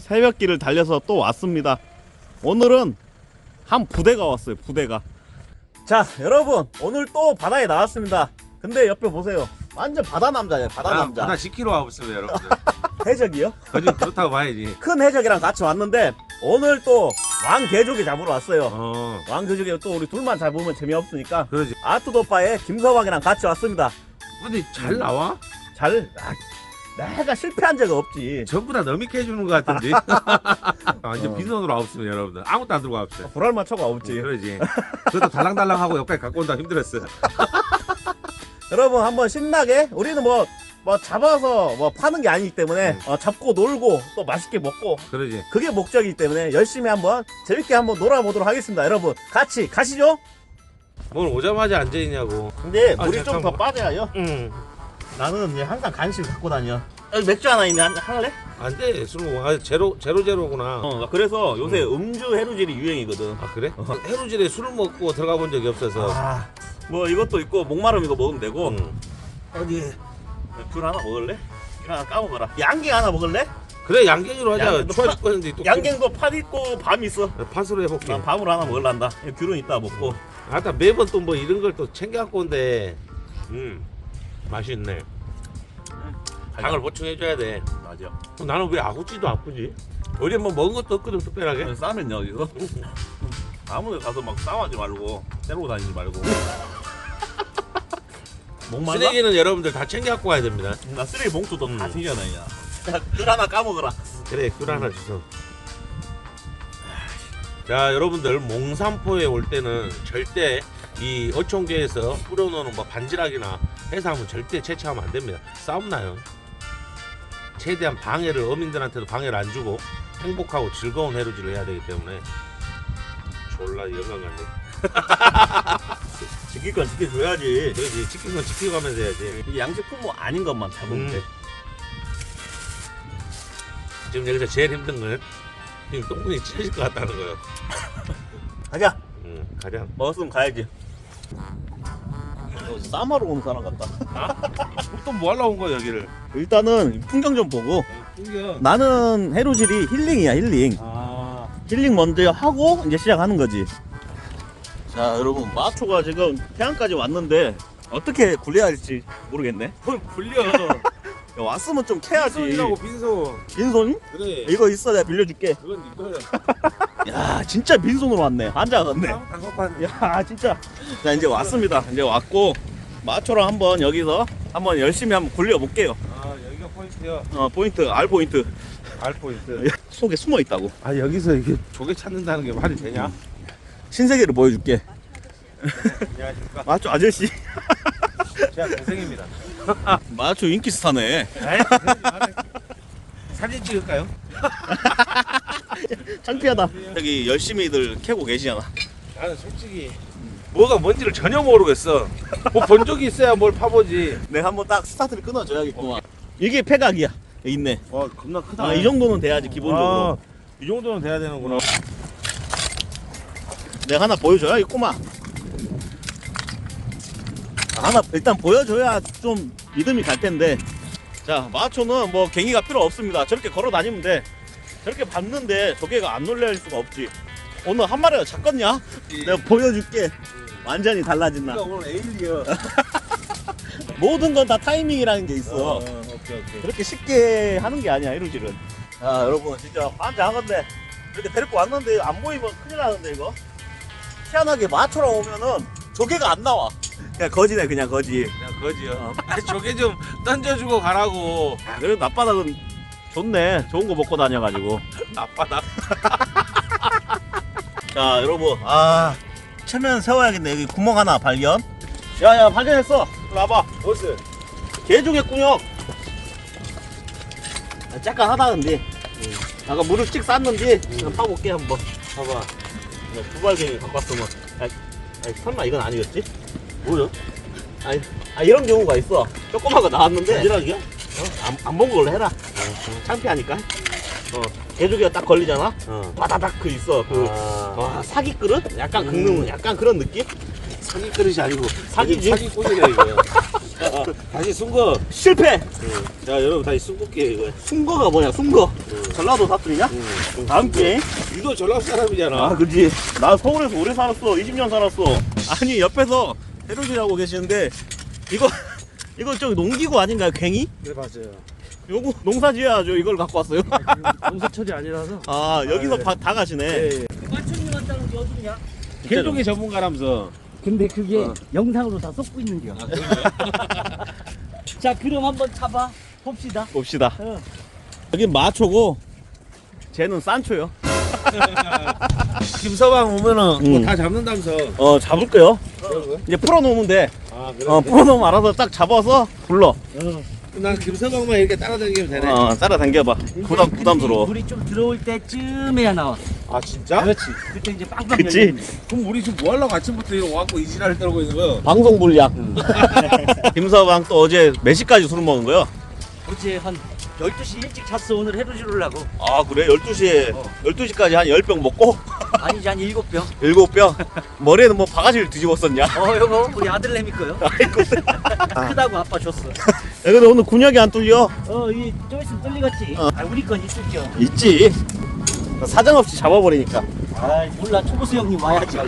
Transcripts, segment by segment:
새벽길을 달려서 또 왔습니다. 오늘은 한 부대가 왔어요. 부대가. 자 여러분 오늘 또 바다에 나왔습니다. 근데 옆에 보세요. 완전 바다 남자예요. 바다 남자. 바다 10km 하고 있어요 여러분들. 해적이요? 거짓 그렇다고 봐야지. 큰 해적이랑 같이 왔는데 오늘 또 왕개조개 잡으러 왔어요. 왕개조개 또 우리 둘만 잡으면 재미없으니까 그러지. 아트도빠의 김서방이랑 같이 왔습니다. 근데 잘 나와? 내가 실패한 적 없지. 전부 다 너미게 해주는 것 같은데. 완전 빈손으로 와봤습니다 여러분들. 아무것도 안 들고 와봤어요. 불알만 쳐가 없지. 그러지. 그래도 달랑달랑하고 여기까지 갖고 온다 힘들었어. 여러분 한번 신나게 우리는 뭐 잡아서 뭐 파는 게 아니기 때문에 잡고 놀고 또 맛있게 먹고 그러지. 그게 목적이기 때문에 열심히 한번 재밌게 한번 놀아보도록 하겠습니다. 여러분 같이 가시죠. 오늘 오자마자 앉아있냐고. 근데 물이 좀 더 잠깐만. 빠져요. 나는 이제 항상 간식 갖고 다녀. 여기 맥주 하나 있네. 할래? 안돼 술 먹어. 제로구나. 그래서 요새 음주 해루질이 유행이거든. 아 그래? 해루질에 술을 먹고 들어가 본 적이 없어서. 뭐 이것도 있고 목마름 이거 먹으면 되고. 어디 귤 하나 먹을래? 귤 하나 까먹어라. 양갱 하나 먹을래? 그래 양갱으로 하자. 양갱도 추워 죽겠는데 또 양갱도 팥 있고 밤 있어. 팥으로 해볼게. 난 밤으로 하나 먹을란다. 귤은 이따 먹고. 아따 매번 또 뭐 이런 걸 또 챙겨 갖고 온대. 맛있네. 당을 보충해줘야 돼. 맞아. 나는 왜 아구찌도 아프지? 어제 뭐 먹은 것도 없거든 특별하게. 싸면 여기서 아무데 가서 막 싸워하지 말고 때리고 다니지 말고. 목말라? 쓰레기는 여러분들 다 챙겨 갖고 가야 됩니다. 나 쓰레기 봉투도 다 챙겨놔야. 귤 하나 까먹어라. 그래 귤 하나 주소. 자 여러분들 몽산포에 올 때는 절대 이 어촌계에서 뿌려놓는 뭐 반지락이나 해삼은 절대 채취하면 안 됩니다. 싸움 나요. 최대한 방해를 어민들한테도 방해를 안 주고 행복하고 즐거운 해루질을 해야 되기 때문에 졸라 영광 같네. 지킬 건 지켜줘야지. 그렇지 지킨 건 지키고 가면서 해야지. 이게 양식품뭐 아닌 것만 잡으면 돼. 지금 여기서 제일 힘든 건 지금 똥분이 찢어질 것 같다는 거예요. 가자. 가장. 먹었으면 가야지. 쌈하러 온 사람 같다. 또 뭐 하려고 온 거야 여기를? 일단은 풍경 좀 보고. 풍경. 나는 해루질이 힐링이야 힐링. 힐링 먼저 하고 이제 시작하는 거지. 자 여러분 마초가 지금 태안까지 왔는데 어떻게 굴려야 할지 모르겠네. 뭘 굴려? 야, 왔으면 좀 캐야지. 빈손이라고 빈손. 빈손? 그래. 이거 있어 내가 빌려줄게. 그건 네 거야. 야 진짜 빈손으로 왔네. 앉아갔네. 단속반. 야 진짜. 자 이제 왔습니다. 이제 왔고 마초랑 한번 여기서 한번 열심히 한번 굴려볼게요. 아 여기가 포인트야. 포인트 R 포인트. 알 포인트. 속에 숨어 있다고. 아 여기서 이게 조개 찾는다는 게 말이 되냐? 신세계를 보여줄게. 안녕하십니까. 마초 아저씨. 제가 고생입니다. 마초 인기 스타네. 사진 찍을까요? 창피하다. 여기 열심히들 캐고 계시잖아. 나는 솔직히 뭐가 뭔지를 전혀 모르겠어. 뭐 본 적이 있어야 뭘 파보지. 내가 한번 딱 스타트를 끊어줘야겠구만. 이게 폐각이야. 여기 있네. 와 겁나 크다. 이 정도는 돼야지 기본적으로. 이 정도는 돼야 되는구나. 내가 하나 보여줘야겠구만. 하나 일단 보여줘야 좀 믿음이 갈 텐데. 자 마초는 뭐 갱이가 필요 없습니다. 저렇게 걸어 다니면 돼. 저렇게 밟는데 조개가 안 놀랄 수가 없지. 오늘 한 마리가 작겠냐? 내가 보여줄게. 완전히 달라진다. 오늘 에일리어. 모든 건 다 타이밍이라는 게 있어. 오케이. 그렇게 쉽게 하는 게 아니야 해루질은. 아 여러분 진짜 환장하건데 이렇게 데리고 왔는데 안 보이면 큰일 나는데 이거. 희한하게 마초랑 오면은 조개가 안 나와. 그냥 거지네 그냥 거지. 그냥 거지요. 조개 좀 던져주고 가라고. 그래도 낮바닥은 좋네. 좋은 거 먹고 다녀가지고. 앞바닥. 자 여러분 체면 세워야겠네. 여기 구멍 하나 발견. 야야 발견했어. 이리 와봐. 보스. 개조개 꾸역. 잠깐 하다 근데 아까 물을 찍 쌌는지 파볼게 한번. 봐봐. 두발갱이 갖고 왔으면 설마 이건 아니겠지? 뭐야? 이런 경우가 있어. 조그만 거 나왔는데 바지락이야? 안 본 걸로 해라. 창피하니까. 개조개가 딱 걸리잖아. 바다닥 그 있어. 사기 그릇? 약간 긁는 약간 그런 느낌? 사기 그릇이 아니고 사기지? 사기꾼이네 이거. 다시 순거. 실패. 자 여러분 다시 순거게요 이거. 순거가 뭐냐 순거. 전라도 사투리냐? 다음 게임. 유도 전라도 사람이잖아. 아 그지. 나 서울에서 오래 살았어. 20년 살았어. 아니 옆에서 해루질하고 계시는데 이거 저기 농기구 아닌가요? 괭이? 네 맞아요. 요거 농사지어야죠. 이걸 갖고 왔어요. 농사철이 아니라서. 아 여기서 네. 다 가시네. 예. 마천님 왔다는 게 어디냐? 개종의 전문가라면서. 근데 그게 영상으로 다 쏟고 있는겨. 자, 그럼 한번 잡아 봅시다. 봅시다. 어. 여기 마초고 쟤는 산초요. 김서방 오면은 음. 뭐다 잡는다면서. 잡을게요. 이제 풀어놓으면 돼. 아 그래. 풀어놓으면 알아서 딱 잡아서 불러. 난 김서방만 이렇게 따라다니면 되네. 따라당겨봐. 부담스러워. 물이 좀 들어올 때쯤에야 나와. 아 진짜? 그렇지. 그때 이제 빵빵 그치? 열리는 거야. 그럼 우리 지금 뭐 하려고 아침부터 이러고 와갖고 이 지랄을 떨고 있는 거야? 방송 불량. 김서방 또 어제 몇 시까지 술 먹은 거야? 어제 한 12시 일찍 잤어. 오늘 해루질 오려고. 아 그래? 12시까지 한 10병 먹고 아니지, 한 7병. 7병? 머리에는 뭐 바가지를 뒤집었었냐? 이거 우리 아들내미 거요. 크다고 아빠 줬어. 야, 근데 오늘 군역이 안 뚫려? 이 좀 있으면 뚫리겠지. 우리 건 있을겨. 있지. 사정없이 잡아버리니까. 아, 몰라. 초보수 형님 와야지.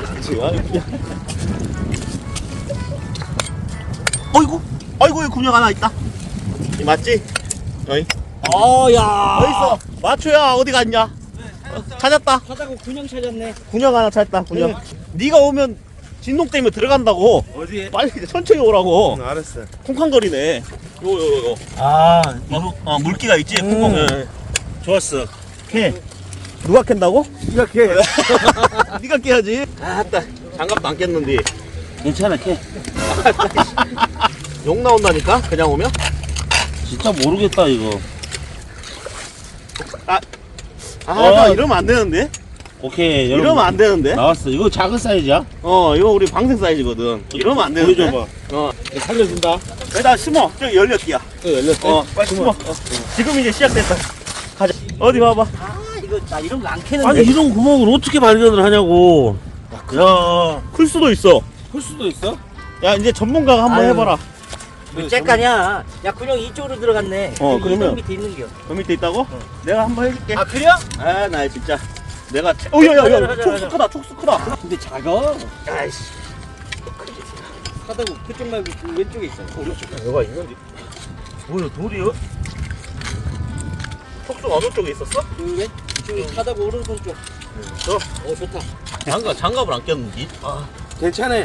아이고 여기 군역 하나 있다. 이 맞지? 어이. 야. 어딨어? 마초야 어디 갔냐? 찾았다. 하다고 군형 찾았네. 군역 하나 찾았다. 군역. 네가 오면 진동 때문에 들어간다고. 어디에? 빨리 천천히 오라고. 알았어. 쿵쾅거리네. 요. 물기가 있지? 쿵쾅. 좋았어. 캐. 누가 캔다고? 네가 캐. 네가 깨야지. 아따. 장갑도 안 깼는데. 괜찮아, 캐. 욕 나온다니까? 그냥 오면? 진짜 모르겠다 이거. 이러면 안 되는데? 오케이. 이러면 안 되는데? 나왔어. 이거 작은 사이즈야? 이거 우리 방생 사이즈거든. 이러면 안 되는데? 보여줘봐. 살려준다. 여기다 심어. 저기 열렸기야. 또 열렸대? 빨리 심어. 지금 이제 시작됐다. 가자. 어디 봐봐. 이거 나 이런 거 안 캐는데. 아니 이런 구멍을 어떻게 발견을 하냐고. 야, 클 수도 있어. 클 수도 있어? 야, 이제 전문가가 한번 아유. 해봐라. 째까냐? 야, 군형 이쪽으로 들어갔네. 그러면. 이 밑에 있는겨. 그 밑에 있다고? 내가 한번 해줄게. 그래? 나 진짜. 내가. 야야야. 가자. 촉수 크다. 촉수 크다. 근데 작아. 아이씨. 하다고 그쪽 말고 그 왼쪽에 있어. 뭐가 있는데? 뭐야, 돌이요? 촉수 어느 쪽에 있었어? 그 왼쪽에 하다고 오른손 쪽. 좋다. 장갑을 안 꼈는지? 괜찮아.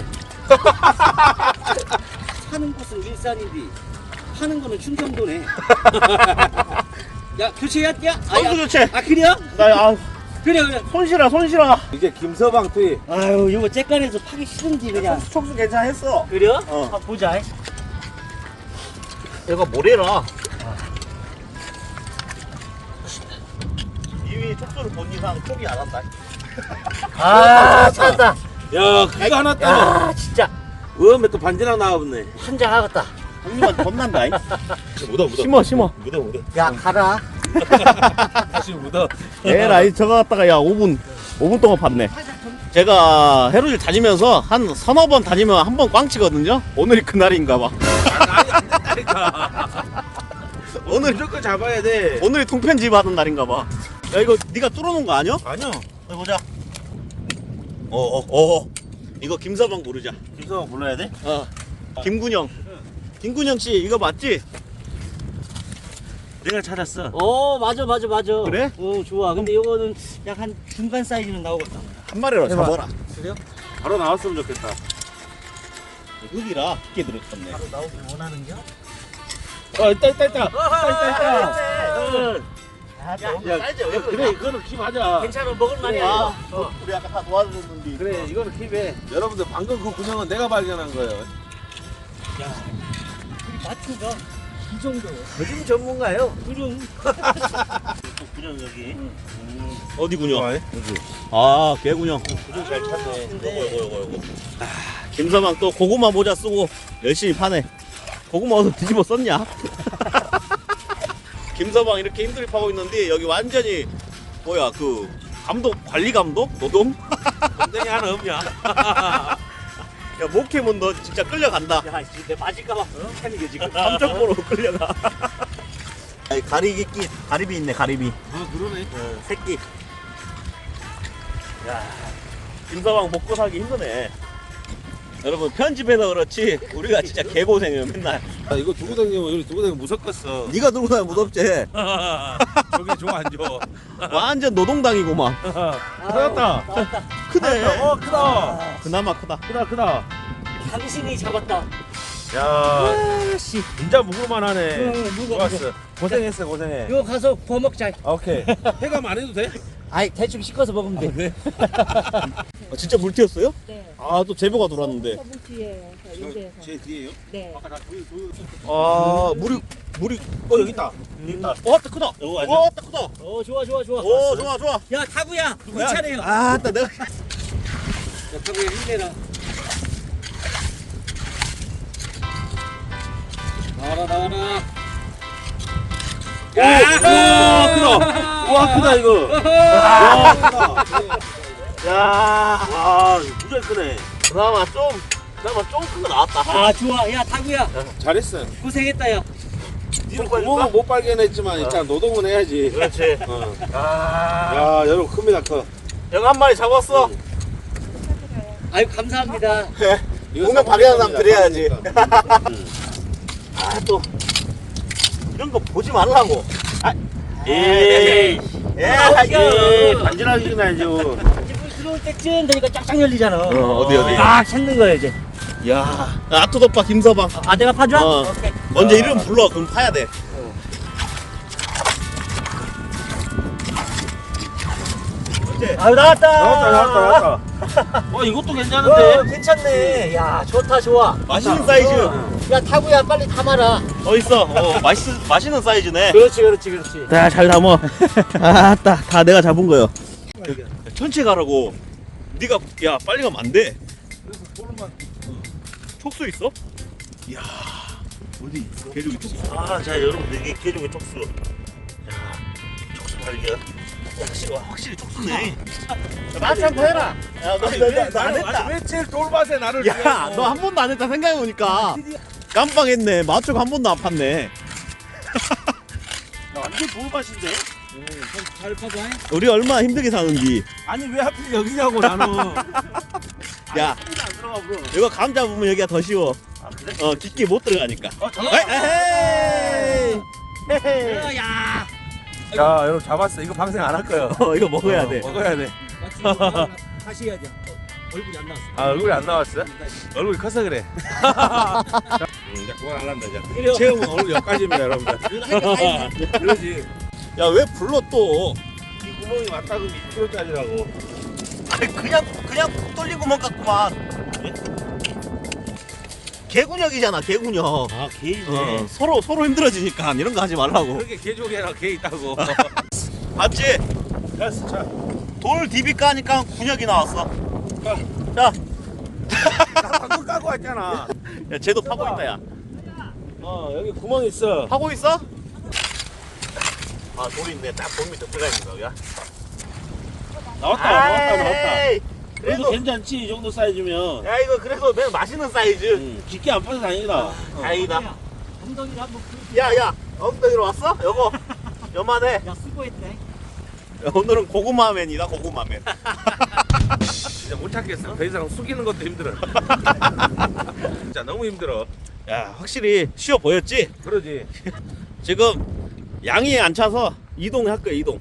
사는 곳은 일산인데 파는 거는 충청도네. 야, 교체야? 선수 교체. 그래요? 그래. 손실아. 이제 김서방 투입. 아유, 이거 째깐에서 파기 싫은지 그냥. 촉수 괜찮았어. 그래? 어. 한번 보자. 얘가 뭐래라. 이미 촉수를 본 이상 포기 안 한다. 찾았다. 야 그거 하나 따. 진짜 으면 또 반지랑 나와봤네. 한장 하겠다. 형님한테 혼난다. 묻어. 심어. 묻어. 야, 가라. 다시 묻어. 에라이 저거 갖다가 5분 동안 봤네. 제가 해루질 다니면서 한 서너 번 다니면 한 번 꽝치거든요. 오늘이 그날인가 봐. 아니 안 된다니까. 오늘 무조건 잡아야 돼. 오늘이 통편집 하는 날인가 봐. 야 이거 네가 뚫어놓은 거 아니야? 아니요. 어디 보자. 이거 김서방 부르자. 김서방 불러야 돼? 김군영. 김군영 씨 이거 맞지? 내가 찾았어. 맞아. 그래? 좋아. 근데 이거는 약 한 중간 사이즈는 나오겠다. 한 마리로 잡아라. 그래요? 바로 나왔으면 좋겠다. 흙이라 깊게 들어있었네. 바로 나오길 원하는겨? 있다. 야, 사이즈 왜 그래 이거는 킵하자. 괜찮아, 먹을만해. 우리 아까 다 도와줬는데. 그래 이거는 킵해. 여러분들 방금 그 군형은 내가 발견한 거예요. 우리 마초가 이 정도. 거짓 전문가요. 그럼. 군형 여기. 어디 군영? 여기. 개군영. 군형 잘 찾네. 근데 김서방 또 고구마 모자 쓰고 열심히 파네. 고구마 어디서 뒤집어 썼냐? 김서방 이렇게 힘들게 파고 있는데 여기 완전히 뭐야 그 감독 관리 감독 노동? 동생이 하나 없냐? 야 목캠은 너 진짜 끌려간다. 야, 지금 내 맞을까봐 하는 게 지금. 감정보로 끌려가. 아니, 가리비끼 가리비 있네 가리비. 아 그러네. 새끼. 야 김서방 먹고 살기 힘드네. 여러분 편집해서 그렇지 우리가 진짜 개고생해요 맨날. 아 이거 두고 다니면 여기 두고 다니면 무섭겠어. 네가 들고 다니면 무섭지. 저게 좀 안 좋아. 완전 노동당이구만. 나왔다. 나왔다. 크네. 크다. 그나마 크다. 크다. 당신이 잡았다. 야 씨. 진짜 무을만하네. 무거워. 좋았어. 고생했어 고생해. 이거 가서 구워 먹자. 오케이. 해감 안 해도 돼? 아이, 대충 씻어서 먹으면 돼. 아, 진짜 물티였어요? 네. 아 또 제보가 돌았는데. 저분 뒤에 여기에서. 제 뒤에요? 네. 아 물이 여기 있다. 왔다 크다. 왔다 크다. 어, 좋아, 좋아, 좋아. 오 좋아 좋아. 야, 타구야. 우리 차례요. 아따 내가 야, 타구야, 힘내라. 나와라. 와 크다. 와 크다 이거. 와 크다. 야 무지하게 크네. 그나마 좀 큰 거 나왔다. 아, 좋아. 야, 타구야. 잘했어. 고생했다, 야. 니는 구멍은 못 발견했지만 일단 노동은 해야지. 그렇지. 어. 아 야 여러분 큽니다 커. 형 한 마리 잡았어. 아유, 감사합니다. 이거 보면 발견한 사람 드려야지. 그러니까. 아 또 이런 거 보지 말라고. 에이. 예. 반지락이긴 하죠. 지금 들어올 때쯤 되니까 쫙쫙 열리잖아. 어디? 아, 찾는 거야, 이제. 야 아토도빠 김서방. 아, 내가 파줘? 어. 오케이. 먼저 이름 불러. 그럼 파야 돼. 아유, 나왔다. 나왔다. 이것도 어, 괜찮은데. 괜찮네. 야, 좋다, 좋아. 맛있는 사이즈. 야, 타구야, 빨리 담아라. 어딨어? 맛있는 사이즈네. 그렇지. 자, 잘 담어. 아따, 다 내가 잡은 거요. 천천히 가라고. 네가 야 빨리 가면 안 돼. 촉수 있어? 이야 어디 있어? 개조기 촉수. 자 여러분들 이게 개조기 촉수. 야 촉수 발견. 확실히 촉수네. 마치 한번 해라. 야너안 했다. 왜 제일 돌밭에 나를? 야 너 한 번도 안 했다 생각해보니까 깜빡했네. 마초가 한 번도 안 팠네. 완전 돌밭인데. 잘 파봐. 우리 얼마나 힘들게 사는지. 아니 왜 하필 여기냐고 나는. 야 안 들어가 bro. 이거 감 잡으면 여기가 더 쉬워. 그래? 깊게 못 들어가니까. 에헤이. 헤헤이. 야. 야 여러분 잡았어. 이거 방생 안 할 거예요. 이거 먹어야 돼. 먹어야 돼. 다시 해야 돼. 얼굴이 안 나왔어. 아 얼굴이 안 나왔어? 얼굴이 커서 그래. 이제 그만 안 한다 이제. 체험은 오늘 여기까지입니다 여러분들. 그러지. 야 왜 불러 또? 이 구멍이 왔다 그러면 2kg짜리라고. 아니 그냥 푹 뚫린 구멍 같구만. 개군역이잖아 개군역. 아 개이네. 서로 힘들어지니까 이런 거 하지 말라고. 그렇게 개조개랑 개 있다고. 맞지? 됐어 자. 돌 DB 까니까 군역이 나왔어. 자, 방금 까고 왔잖아. 야 쟤도 파고 있다 야. 여기 구멍 있어. 파고 있어? 아 돌이 있네. 딱 돌 밑에 들어가 있는 거야. 나왔다. 에이, 그래도 그래도 괜찮지 이 정도 사이즈면. 야 이거 그래도 맨 맛있는 사이즈. 깊게 안 빠져 다행이다. 다행이다. 엉덩이를 한번 야야 엉덩이로 왔어? 요거 요만해. 야, 수고했네. 오늘은 고구마맨이다 고구마맨. 진짜 못 찾겠어. 더 이상 숙이는 것도 힘들어. 진짜 너무 힘들어. 야 확실히 쉬워 보였지? 그러지. 지금 양이 안 차서 이동할 거야 이동.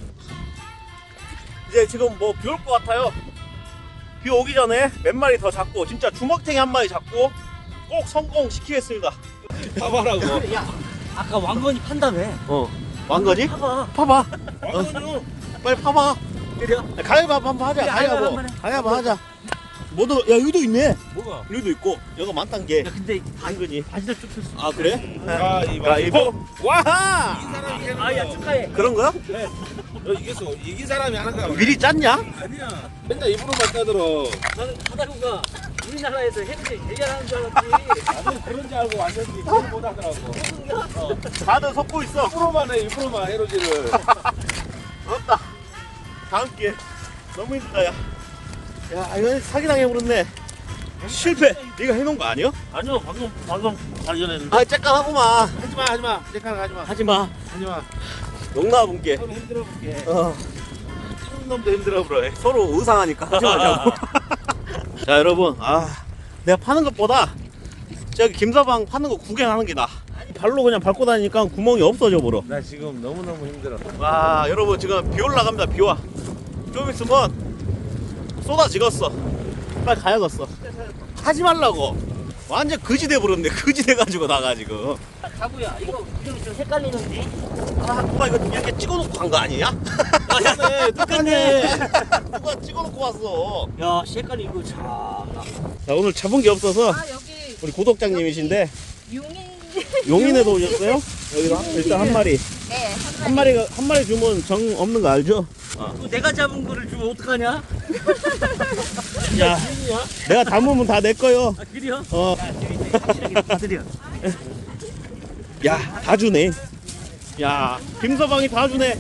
이제 지금 뭐 비 올 것 같아요. 비 오기 전에 몇 마리 더 잡고 진짜 주먹탱이 한 마리 잡고 꼭 성공시키겠습니다. 봐봐라고. 야, 아까 왕건이 판다며. 왕거지? 파봐. 파봐. 왕건이는 빨리 파봐. 그래요? 가위바위보 한번 하자. 그래, 가위바위보. 가위바위보 한번 해. 가위바위보 하자. 뭐도 야 여기도 있네. 뭐가? 여기도 있고 여기 많단 게 야, 근데 당근이. 바지를 쭉 폈어. 아 그래? 가위바위보. 와하. 이긴 사람이 하는 아, 야, 거야. 축하해. 그런 거야? 너 이겼어. 이긴 사람이 하는 거야. 미리 짰냐? 아니야. 맨날 입으로만 떠들어. 나는 하다구가 우리나라에서 해병대 제일 잘하는 줄 알았지. 나는 그런 줄 알고 왔는데 그걸 못 하더라고. 다들 섞고 있어. 입으로만 해. 입으로만 해로지를. 없다. 다음 기회. 너무 힘들다 야. 야 이거 사기당해 버렸네. 실패. 네가 해놓은 거 아니야? 아니요 방금 발견했는데. 아 쬐깐하구만. 하지마 내가 하지마 하지마. 하지마. 용나분께. 서로 힘들어 볼게. 놈도 힘들어 보여. 서로 의상하니까 하지 말자고. 자 여러분, 내가 파는 것보다 저기 김서방 파는 거 구경하는 게 나. 발로 그냥 밟고 다니니까 구멍이 없어져 버려. 나 지금 너무너무 힘들어. 와 여러분 지금 비 올라갑니다. 비 와. 좀 있으면 쏟아지겠어. 빨리 가야겠어. 하지 말라고. 완전 거지 돼 버렸네. 거지 돼 가지고 나가 지금. 자부야 이거 좀 헷갈리는데. 누가 이거 이렇게 찍어놓고 간 거 아니냐? 똑같네 똑같네. 누가 찍어놓고 왔어. 야 색깔이 이거 참. 자 오늘 잡은 게 없어서 여기 우리 구독장님이신데 용인. 용인에도 오셨어요? 여기다 일단 한 마리. 네, 한 마리 주면 정 없는 거 알죠? 그거 내가 잡은 거를 주면 어떡하냐? 야, 내가 담으면 다 내 거요. 아 그래요? 어, 다 드려. 야, 다 주네. 야, 김서방이 다 주네.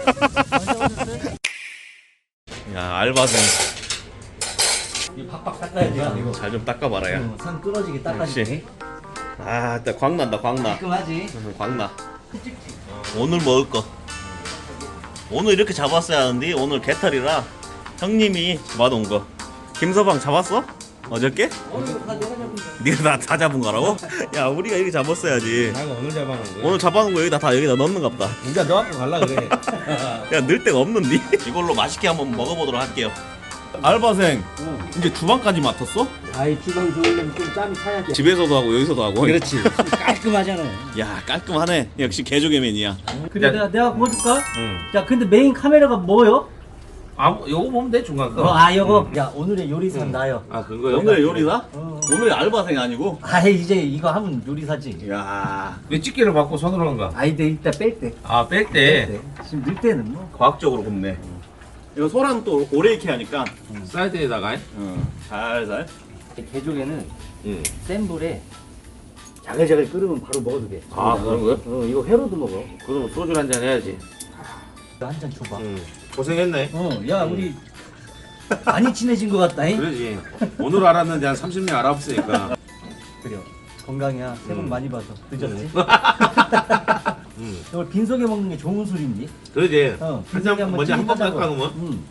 야, 알바생. 이 팍팍 닦아야 돼 이거. 잘 좀 닦아봐라, 야. 산 끊어지게 닦아줄게. 아, 일단 광난다, 광나. 깔끔하지? 광나. 오늘 먹을 거. 오늘 이렇게 잡았어야 하는데 오늘 개털이라 형님이 잡아놓은 거. 김서방 잡았어? 어저께? 네가 다 잡은 거라고? 야 우리가 이렇게 잡았어야지. 내가 오늘 잡아놓은 거야. 오늘 잡아놓은 거 여기다 넣는 갑다. 진짜 너 갖고 갈라 그래. 야 넣을 데가 없는데? 이걸로 맛있게 한번 먹어보도록 할게요. 알바생 이제 주방까지 맡았어? 아이 주방 좋으려면 좀 짬이 차야지. 집에서도 하고 여기서도 하고. 그렇지. 깔끔하잖아. 야 깔끔하네. 역시 개조개맨이야. 근데 내가 보여줄까? 응. 야 근데 메인 카메라가 뭐요? 요거 보면 돼 중간 거. 요거. 야 오늘의 요리사는 나요. 아 그거요? 오늘 요리사? 어. 오늘 알바생 아니고? 아이 이제 이거 하면 요리사지. 야 왜 집게를 받고 손으로 한 거야? 아이 내 이따 뺄 때. 뺄 때. 지금 넣을 때는 뭐. 과학적으로 굽네. 이거 소랑 또 오래 익게 하니까 사이드에다가. 살살. 개조개는 응. 센 불에 자글자글 끓으면 바로 먹어도 돼. 아 그런 거요? 이거 회로도 먹어. 그럼 소주 한 잔 해야지. 한 잔 줘봐. 응. 고생했네. 야 우리 많이 친해진 것 같다잉. 그러지. 오늘 알았는데 한 30년 알아봤으니까. 그래요. 건강이야. 새해 복 많이 받아. 늦었지? 응. 이걸 빈속에 먹는 게 좋은 술인지. 그러지. 어. 한잔 빈속에 먼저 한번 찌릿하자고. 닦아 놓으면. 응.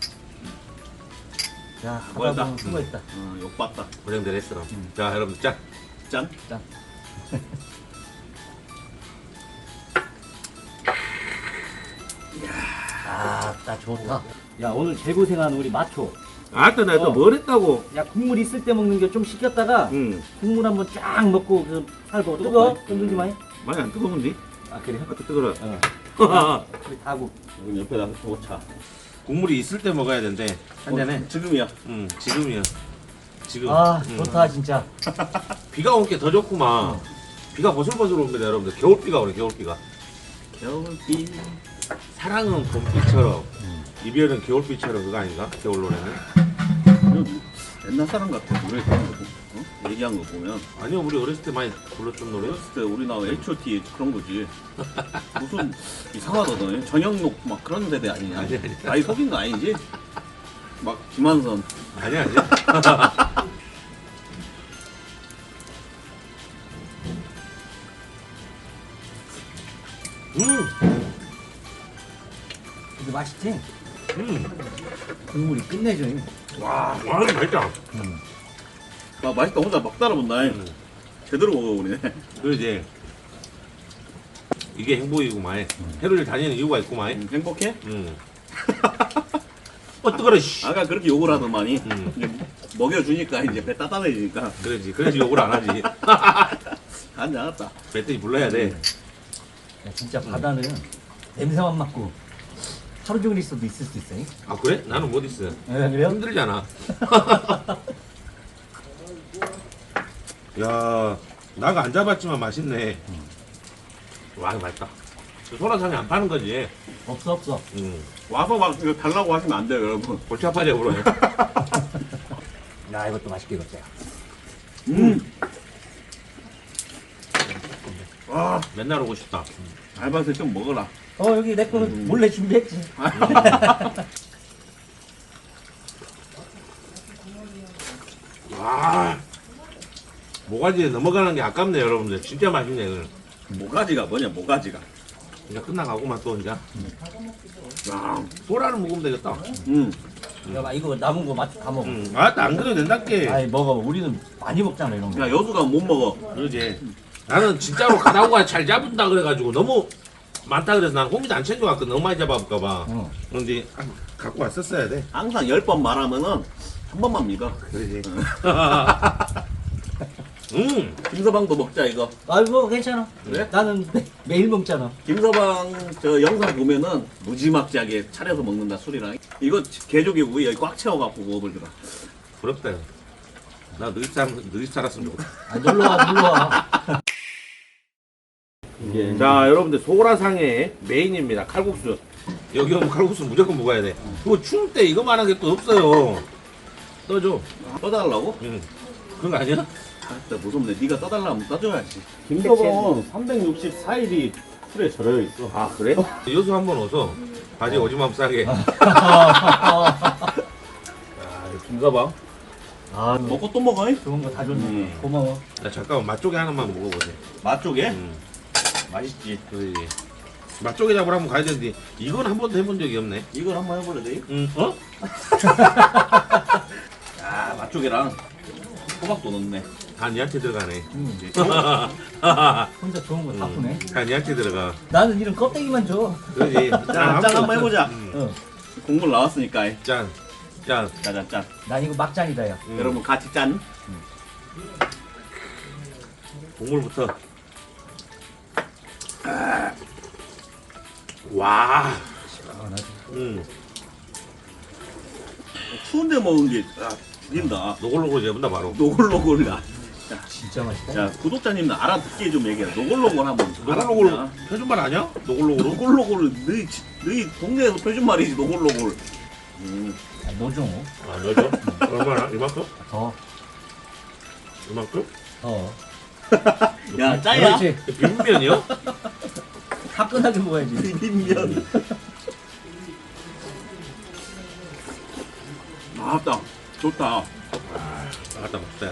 야 하다 수고했다. 보면 수고했다. 욕봤다. 고생들 했어. 자 여러분 짠. 짠. 짠. 딱 좋다. 야 오늘 개고생한 우리 마초. 아따 내가 뭘 했다고. 야 국물 있을 때 먹는 게 좀 식혔다가 응. 국물 한번 쫙 먹고 그 살고 뜨거? 흔들지 마이. 많이 안 뜨거운데? 아 그래? 아까 뜨거라. 어. 우리 다고. 여기 옆에다 놓자. 국물이 있을 때 먹어야 된대. 한 잔에. 지금이야. 응. 지금이야. 지금. 아 응. 좋다 진짜. 비가 온 게 더 좋구만. 비가 보슬보슬 옵니다 여러분들. 겨울비가 오네 겨울비가. 겨울비. 사랑은 봄비처럼 이별은 겨울비처럼 그거 아닌가? 겨울 노래는? 옛날 사람 같아. 노래 그런 거 얘기한 거 보면. 아니요 우리 어렸을 때 많이 불렀던 노래. 어렸을 때 우리나라 H.O.T 그런 거지. 무슨 이상하다 너. 전영록 막 그런 세대 아니냐? 아니. 나이 속인 거 아니지? 막 김한선. 아니 아니. 이거 맛있지? 국물이 끝내줘. 와 맛있다. 아 맛있다. 혼자 막 따라본다. 제대로 먹어 우리네. 그러지. 이게 행복이구만. 해로를 다니는 이유가 있구만. 행복해? 응. 뜨거라 씨. 아까 그렇게 욕을 하더만이. 응. 이제 먹여주니까 이제 배 따뜻해지니까. 그러지. 그래서 욕을 안 하지. 안 나갔다. 멧돼지 불러야 돼. 야 진짜 바다는 냄새만 맡고 하루 종일 있어도 있을 수 있어. 아 그래? 나는 못 있어. 그래요? 힘들잖아. 야, 나가 안 잡았지만 맛있네. 와, 맛있다. 소라상에 안 파는 거지. 없어. 와서 막 이거 달라고 하시면 안 돼요 여러분. 골치 아파져 그래. 야 이것도 맛있게 익었다. 와 맨날 오고 싶다. 알바생 좀 먹어라. 여기 내 거는 몰래 준비했지. 아, 모가지에 넘어가는 게 아깝네 여러분들. 진짜 맛있네 이거는. 모가지가 뭐냐 모가지가. 이제 끝나가고만 또 이제. 야, 소라를 먹으면 되겠다. 야, 이거 남은 거 맛 다 먹어. 안 그래도 된다께. 아이 먹어. 우리는 많이 먹잖아 이런 거. 야 여수가 못 먹어. 그러지. 나는 진짜로 가다가 잘 잡은다 그래가지고 너무 많다 그래서 난 고기도 안 챙겨왔거든. 너무 많이 잡아볼까봐. 어. 그런데 갖고 왔었어야 돼. 항상 10번 말하면은 한 번만 믿어. 그러지. 김서방도 먹자 이거. 아이고 괜찮아. 그래? 나는 매일 먹잖아. 김서방 저 영상 보면은 무지막지하게 차려서 먹는다 술이랑. 이거 개조개구이 여기 꽉 채워갖고 먹어보더라. 부럽다. 나 너희 살았으면 좋겠다. 아, 놀러와 놀러와. 자, 여러분들 소라상의 메인입니다. 칼국수. 여기 오면 칼국수 무조건 먹어야 돼. 그거 추울 때 이거만한 게 또 없어요. 떠줘. 떠달라고? 응. 그런 거 아니야? 아, 진짜 무섭네. 네가 떠달라면 떠줘야지. 김서방은 364일이 술에 절여 있어. 아, 그래? 여수 한번 오서 바지 오지랖 싸게. 김가방. 아, 먹고 또 먹어? 잉? 좋은 거 다 줬네. 고마워. 나 잠깐만 맛조개 하나만 먹어보세. 맛조개? 맛있지. 그러지. 맛조개 잡으러 한번 가야 되는데 이건 한 번도 해본 적이 없네. 이걸 한번 해보래 돼? 응. 어? 아 맛조개랑 호박도 넣네. 다 니한테 들어가네. 혼자 좋은 거 다 푸네. 다 니한테 들어가. 나는 이런 껍데기만 줘. 그러지. 짠 한번 해보자. 어. 국물 나왔으니까. 짠. 짠. 짜잔 짠. 나 이거 막장이다 야. 여러분 같이 짠. 국물부터. 와. 추운데 먹은 게 죽인다. 노골노골 잡는다 바로. 노골노골이다. 진짜 맛있다. 자 구독자님들 알아듣게 좀 얘기해. 노골노골 한번. 노골노골 알아듣냐? 표준말 아니야? 노골노골. 노골노골을 너희 동네에서 표준말이지 노골노골. 아, 노종. 아 넣어줘. 얼마나? 이만큼? 더. 이만큼? 더. 야 짜야. 그렇지. 비빔면이요? 화끈하게 먹어야지. 비빔면. 아따 좋다. 아따 먹자.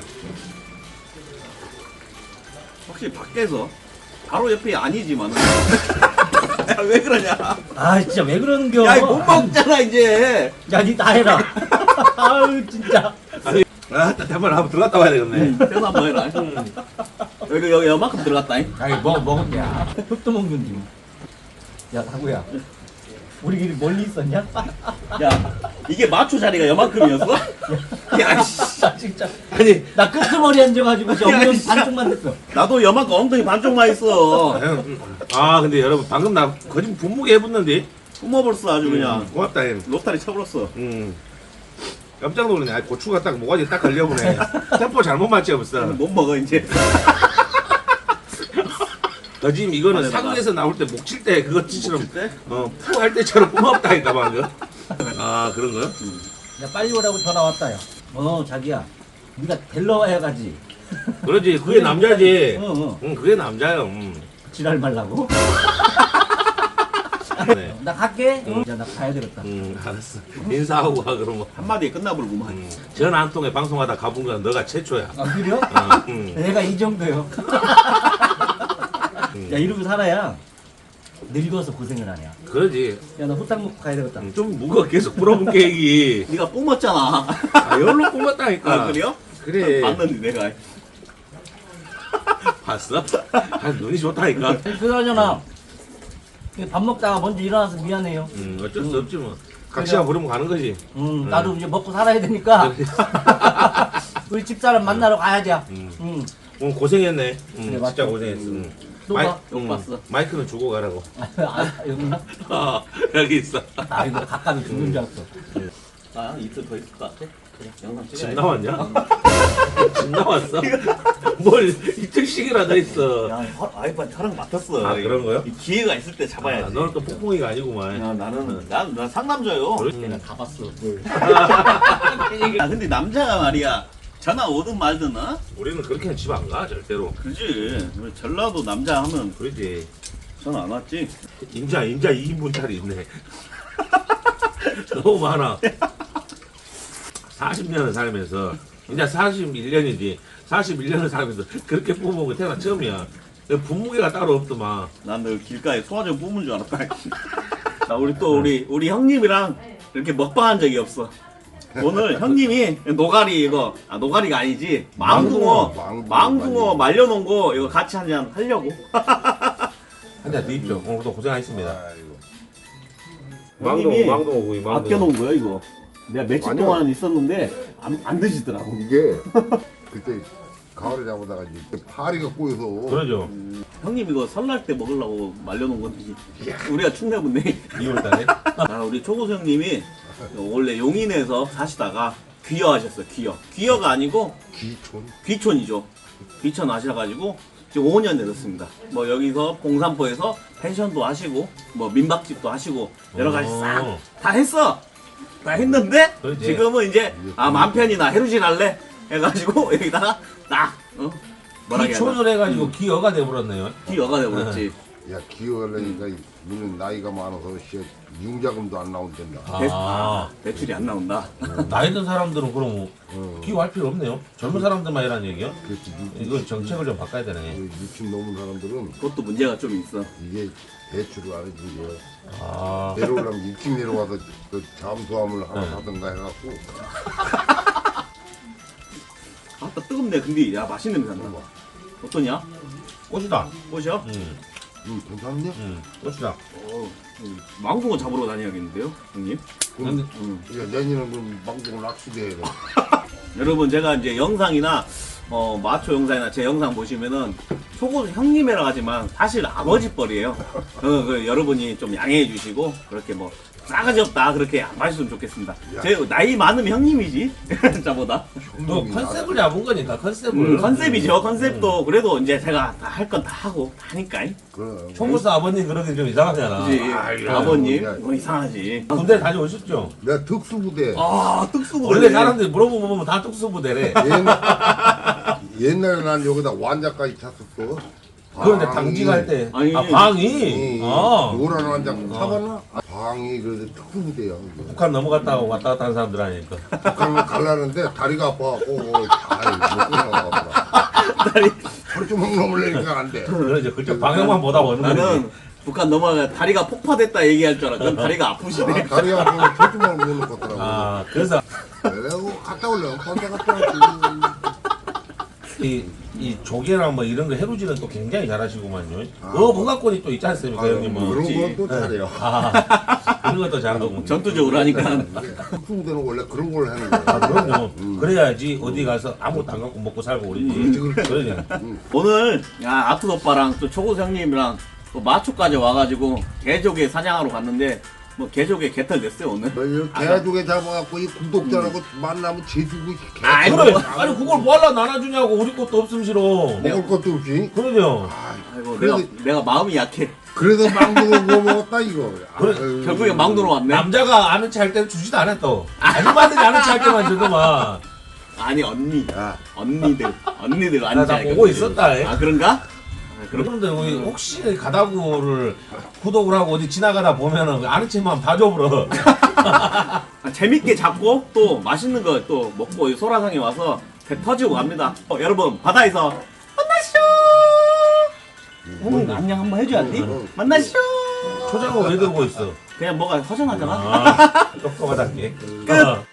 확실히 밖에서 바로 옆이 아니지만은. 야, 왜 그러냐? 아 진짜 왜 그러는겨? 야, 이거 못 먹잖아 이제. 야, 니 다 해라. 아유 진짜. 아, 한번 들어갔다 와야 되겠네. 그래서 한번 해라. 여기 요만큼 들어갔다. 아이 먹으면 야 흙도 먹는지. 야 다구야. 우리끼리 멀리 있었냐? 야, 이게 마초 자리가 요만큼이었어? 야, 씨. 나 진짜. 아니, 나 끄트머리 앉아가지고 저 야, 엉덩이 씨. 반쪽만 됐어. 나도 요만큼 엉덩이 반쪽만 있어. 아, 근데 여러분 방금 나 거짓 분무게 해봤는데. 뿜어버렸어 아주 그냥. 고맙다 형. 로타리 쳐버렸어. 깜짝 놀랐네. 아, 고추가 딱 모가지 딱 걸려보네. 템포 잘못 맞지 벌써. 못 먹어 이제. 거짓 이거는 안에다가. 사극에서 나올 때 목 칠 때 그거 찌처럼 때? 푸할 때처럼 고맙다니까 방금. 아 그런 거요? 야 빨리 오라고 전화 왔다 야. 자기야. 네가 데리러 와야 가지. 그러지 그게 남자지. 어. 응 그게 남자요. 지랄 말라고. 네. 나 갈게. 야 나 가야 되겠다. 알았어. 인사하고 가 그러면. 한마디에 끝나버리구만. 전화 한 통에 방송하다 가본 건 너가 최초야. 아 그래요? 응. 내가 이 정도요. 야 이러고 살아야 늙어서 고생을 하냐. 그러지. 야 나 후딱 먹고 가야 되겠다. 좀 무거 계속 물어본 계획이. 네가 뿜었잖아. 아 열로 꼽았다니까. 아, 그래요? 그래. 봤는데 내가. 봤어? 아 눈이 좋다니까. 그러잖아. 밥 먹다가 먼저 일어나서 미안해요. 어쩔 수 없지 뭐. 각시가 부르면 가는 거지. 나도 이제 먹고 살아야 되니까. 우리 집사람 만나러 가야지. 오늘 고생했네. 그래, 진짜 맞죠. 고생했어. 또 봐. 욕 봤어. 마이크는 주고 가라고. 여기 있나? 여기 있어. 아 이거 가까이 죽는 줄 알았어. 아 이틀 더 있을 것 같아. 그래 영상 집 찍어야지. 나왔냐? 집 나왔어? 뭘 이틀씩이나 더 있어. 야 아이빠 촬영 맡았어. 아, 그런 거요? 이 기회가 있을 때 잡아야지. 아, 너는 또 폭풍이가 아니구만. 야 나는 난 상남자요. 그래? 가봤어. 아 근데 남자가 말이야 전화 오든 말든 어? 우리는 그렇게는 집 안 가, 절대로. 그지. 우리 전라도 남자 하면 그러지. 전화 안 왔지. 인자 2인분짜리 있네. 너무 많아. 40년을 살면서 이제 41년이지. 41년을 살면서 그렇게 뽑은 거 태어나 처음이야. 분무게가 따로 없더만. 난 늘 길가에 소화제 뿜은 줄 알았다. 자, 우리 형님이랑 이렇게 먹방한 적이 없어. 오늘 형님이 노가리 이거 노가리가 아니지 망둥어 말려놓은 거 이거 같이 한잔 하려고. 한잔 드십시오. 오늘도 고생하셨습니다. 형님이 구이, 아껴놓은 거야 이거. 내가 며칠 아니요. 동안 있었는데 안 드시더라고. 이게 그때 가을에 잡아다가 이제 파리가 꼬여서 그러죠. 형님 이거 설날 때 먹으려고 말려놓은 건데 우리가 축내분네. 2월달에. 아, 우리 초고수 형님이 원래 용인에서 사시다가 귀여하셨어요. 귀여가 아니고 기촌 귀촌이죠. 귀촌 하셔가지고 지금 5년 되셨습니다. 뭐 여기서 봉산포에서 펜션도 하시고 뭐 민박집도 하시고 여러 가지 싹 다 했어. 다 했는데 그렇지. 지금은 이제 맘 편이나 해루질 할래 해가지고 여기다가 딱 뭐라 해야 되나 기촌을 해가지고 기어가 돼버렸네요. 귀여가 돼버렸지. 야 기어하려니까 니는 나이가 많아서 융자금도 안 나온단다. 대출이 안 나온다. 나이 든 사람들은 그럼 기여할 필요 없네요. 젊은 사람들만 이라는 얘기요? 그렇지. 이거 정책을 좀 바꿔야 되네. 60 넘은 사람들은 그것도 문제가 좀 있어. 이게 대출을 안 해준 거야. 아, 내려오려면 일찍 내려와서 그 잠수함을 하나 사든가 해갖고 아따 뜨겁네. 근데 야 맛있는 냄새 난다. 어떠냐? 꽃이다. 꽃이요? 괜찮네? 꽃이다. 망둥어 잡으러 다녀야겠는데요, 형님? 그럼 응. 야, 내년은 그럼 방송 낚시대 해야 돼. 여러분 제가 이제 영상이나 마초 영상이나 제 영상 보시면은 초고수 형님이라 하지만 사실 아버지 뻘이에요. 여러분이 좀 양해해 주시고 그렇게 뭐 싸가지 없다 그렇게 안 봐주시면 좋겠습니다. 제 나이 많으면 형님이지 저보다. 너 컨셉을 잡은 거니까 컨셉을. 컨셉이죠. 컨셉도 그래도 이제 제가 다 할 건 다 하고 하니까. 그럼 총무사 아버님 그러기 좀 이상하잖아. 그지? 아이고, 아버님 야. 뭐 이상하지. 군대 다녀오셨죠? 내가 특수부대 특수부대. 원래 사람들이 물어보면 다 특수부대래. 옛날에 난 여기다 완자까지 찼었어. 그런데 당직할 때. 아니, 방이. 노란 완자 타봤나? 방이 그래도 특수부대야. 이게. 북한 넘어갔다 왔다 갔다 하는 사람들 아니니까. 북한을 갈라는데 다리가 아파갖고 못 끊어가더라. 다리. 철조망 넘으려니까 안 돼. 그래 이제 그쪽 방향만 보다 보는 거지. 나는 북한 넘어가 다리가 폭파됐다 얘기할 줄 알았거든. 다리가 아프시네. 다리가 아프면 철조망 못 넣겠더라고. 아 그래서 그래고 갔다 올려. 혼자 갔다 왔지. 이 조개랑 뭐 이런 거 해루지는 또 굉장히 잘하시구만요. 문화권이 또 있지 않습니까 형님은? 그런 것도 잘해요. 그런 것도 잘하고. 전투적으로 하니까. 특수부대는 원래 그런 걸 하는 거야. 그럼요. 그래야지 어디 가서 아무것도 안 갖고 먹고 살고 그러지. 그러냐. 오늘 아트 오빠랑 또 초고수 형님이랑 또 마초까지 와가지고 개조개 사냥하러 갔는데 뭐 개조개 개털 됐어요 오늘. 개조개 잡아갖고 이 구독자라고 만나면 제주고 아이, 그래. 뭐. 아니 그걸 뭐하려 나눠주냐고. 우리 것도 없음 싫어. 먹을 것도 없이. 그러죠. 아이고 그래도- 내가 마음이 약해. 그래서 망둥어 구워 먹었다 이거. 그래, 아유. 결국에 망도로 왔네. 남자가 아는 체 할 때는 주지도 않아 또. 아줌마들이 아는 체 할 때만 주더만. 아니 언니, 야, 언니들 나 앉아. 보고 있었다. 아 그런가? 그런데 우리 혹시 가다구를 구독을 하고 어디 지나가다 보면은 아는 체만 봐줘버려. 재밌게 잡고 또 맛있는 거 또 먹고 이 소라상에 와서 배 터지고 갑니다. 여러분 바다에서 만나시죠. 형님 안녕 한번 해줘야지. 만나시죠. 초장은 왜 들고 있어? 그냥 뭐가 허전하잖아. 아, 똑똑하답게. 끝.